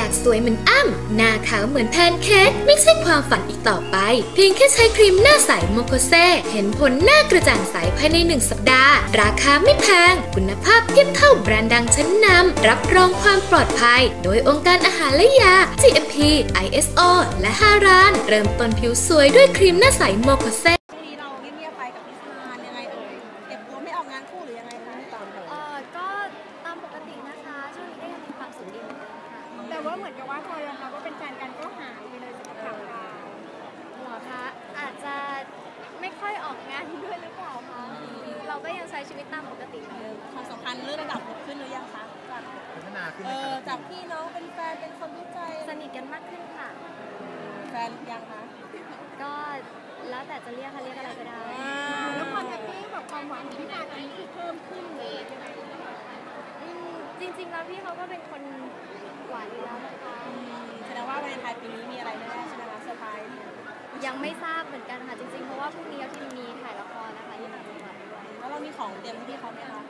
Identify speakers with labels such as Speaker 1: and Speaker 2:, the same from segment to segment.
Speaker 1: ากสวยเหมือนอ้ำหน้าขาวเหมือนแพนเค้กไม่ใช่ความฝันอีกต่อไปเพียงแค่ใช้ครีมหน้าใสโมโคเซเห็นผลหน้ากระจ่างใสภายใน1 สัปดาห์ราคาไม่แพงคุณภาพเทียบเท่าแบรนด์ดังชั้นนำรับรองความปลอดภัยโดยองค์การอาหารและยา GMP ISO และ5 ร้านเริ่มต้นผิวสวยด้วยครีมหน้าใสโมโคเซ
Speaker 2: ช่วงนี้เราเงียบๆไปกับพี่ซานยังไงเอ่ยเก็บตัวไม่ออกงานคู่หรือยังไงคะ
Speaker 3: ก็ตามปกตินะคะช่วงนี้ก็ยังมีความสุขดีเหมือนเดิมค่ะ
Speaker 2: แต่ว่าเหมือนกับว่าพอยอมรับว่าเป็นแฟนกันก็หายไปเลยจากข่าว
Speaker 3: เหรอคะอาจจะไม่ค่อยออกงานด้วยหรือเปล่าคะเราก็ยังใช้ชีวิตตามปกติเหมือนเดิม
Speaker 2: ความสัมพันธ์เลื่อนระดับขึ้นหรือยังคะจาก
Speaker 4: พัฒนาขึ้น
Speaker 2: จากพี่น้องเป็นแฟนเป็นคนรู้ใจ
Speaker 3: สนิทกันมากขึ้นค่ะ
Speaker 2: แฟนยังคะ
Speaker 3: ก็แล้วแต่จะเรียกอะไรก็ได้
Speaker 2: แล้วความแฮปปี้กับความหวานของพี่การตอนนี้คือเพิ่มขึ้นเลย
Speaker 3: จริงๆแล้วพี่เขาก็เป็นคนหวานอยู่แล้วนะคะ
Speaker 2: แสดงว่าวาเลนไทน์ปีนี้มีอะไรแน่ๆใช่ไหมคะเซอร์ไพรส์
Speaker 3: ยังไม่ทราบเหมือนกันค่ะจริงๆเพราะว่าพรุ่งนี้เราที่มีถ่ายละครนะคะที่ต่างจังหวัดด้วย
Speaker 2: แล้วเรามีของเตรียมให้พี่เขาไหมคะ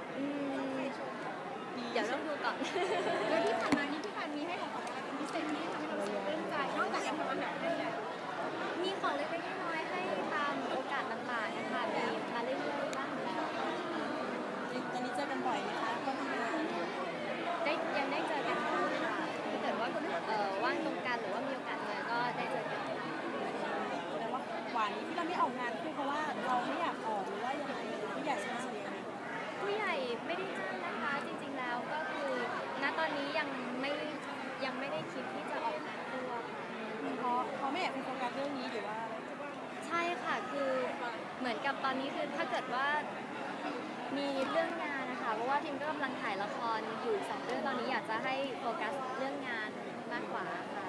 Speaker 3: เดี๋ยวต้องดูก่อน
Speaker 2: แล้วที่ผ่านมานี่พี่การมีให้ของขวัญอะไรเป็นพิเศษที่ทำให้เรารู้สึกปลื้มใจนอกจากการทำอาหารได้แล้ว
Speaker 3: มีของเล็กๆน้อยๆให้ตามโอกาสต่างๆนะคะมีมาเรื่อยๆบ้างแล้ว
Speaker 2: ตอนนี้เจอกันบ่อยไหมคะก็ทำงาน
Speaker 3: ยังได้เจอกันบ้างค่ะถ้าเกิดว่าว่างตรงกันหรือว่ามีโอกาสเจอก็ได้เจอกัน
Speaker 2: แสดงว่าหวานนี้ที่เราไม่ออกงานคือเพราะว่าเราไม่อยากออกหรือว่ายังไงผู้ใหญ่สนับสนุน
Speaker 3: ผู้ใหญ่ไม่ได้จ้างนะคะจริงๆแล้วก็คือณตอนนี้ยังไม่ได้คิดที่จะออกงานตัว
Speaker 2: เพราะไม่อยากเป็นโฟกัสเรื่องนี้หรือว่า
Speaker 3: ใช่ค่ะคือเหมือนกับตอนนี้คือถ้าเกิดว่ามีเรื่องงานนะคะเพราะว่าทีมก็กำลังถ่ายละครอยู่2 เรื่องตอนนี้อยากจะให้โฟกัสเรื่องงานมากกว่าค่ะ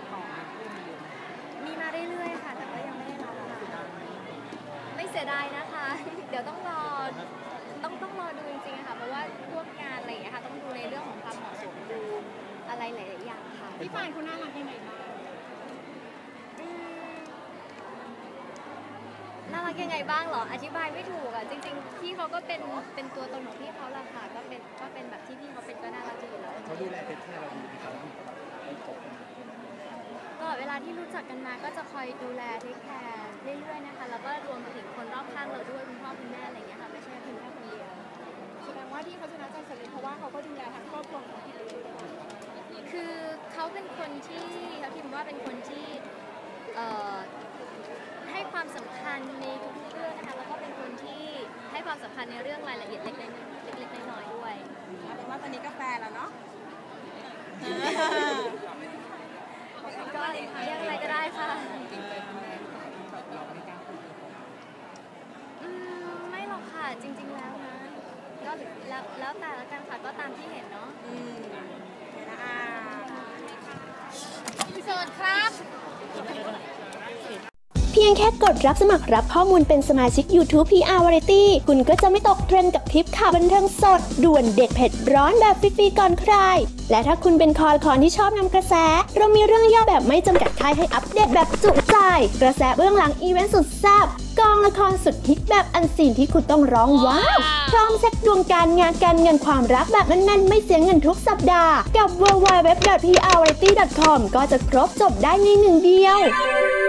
Speaker 3: มีมาเรื่อยๆค่ะแต่ก็ยังไม่ได้รับค่ะไม่เสียดายนะคะเดี๋ยวต้องรอดูจริงๆค่ะเพราะว่าพวกงานอะไรอย่างเงี้ยค่ะต้องดูในเรื่องของความเหมาะสมดูอะไรหลายๆอย่างค่ะ
Speaker 2: พี่ปานคุณน่ารักยังไงบ้าง
Speaker 3: น่ารักยังไงบ้างเหรออธิบายไม่ถูกอ่ะจริงๆพี่เขาก็เป็นตัวตนของพี่เขาแหละค่ะก็เป็นแบบที่พี่เขาเป็นก็น่ารักอยู่แล้ว
Speaker 4: เขาดูแลเป็นที่เราดีเขา
Speaker 3: ก็เวลาที่รู้จักกันมาก็จะคอยดูแลเทคแคร์เรื่อยๆนะคะแล้วก็รวมไปถึงคนรอบข้างเราด้วยคุณพ่อคุณแม่อะไรอย่างเงี้ยค่ะไม่ใช่เพียงแค่คนเดียว
Speaker 2: แสดงว่าที่เขาชนะใจสำเร็จเพราะว่าเขาก็ดูแลทั้งครอบครัวของพี่
Speaker 3: คือเขาเป็นคนที่เขาพิมพ์ว่าเป็นคนที่ให้ความสำคัญในทุกๆเรื่องนะคะแล้วก็เป็นคนที่ให้ความสำคัญในเรื่องรายละเอียดเล็กๆน้อยๆด้วย
Speaker 2: เอาเป็นว่าตอนนี้ก็แฟนแล้วเนาะ
Speaker 3: ก็เรียกอะไรก็ได้ค่ะไม่หรอกค่ะจริงๆแล้วนะก็แล้วแต่ละกันค่ะก็ตามที่เห็นเนาะ
Speaker 2: พี่โสดครับ
Speaker 5: เพียงแค่กดรับสมัครรับข้อมูลเป็นสมาชิก YouTube PR Variety คุณก็จะไม่ตกเทรนด์กับคลิปข่าวบันเทิงสดด่วนเด็ดเผ็ดร้อนแบบฟรีๆก่อนใครและถ้าคุณเป็นคอละครที่ชอบนำกระแสเรามีเรื่องย่อแบบไม่จำกัดค่ายให้อัปเดตแบบจุใจกระแสเบื้องหลังอีเวนต์สุดแซ่บกองละครสุดฮิตแบบอันซีนที่คุณต้องร้องว้าวพร้อมเช็คดวงการงานการเงินความรักแบบแน่นๆไม่เสียเงินทุกสัปดาห์กับ www.prvariety.com ก็จะครบจบได้ในหนึ่งเดียว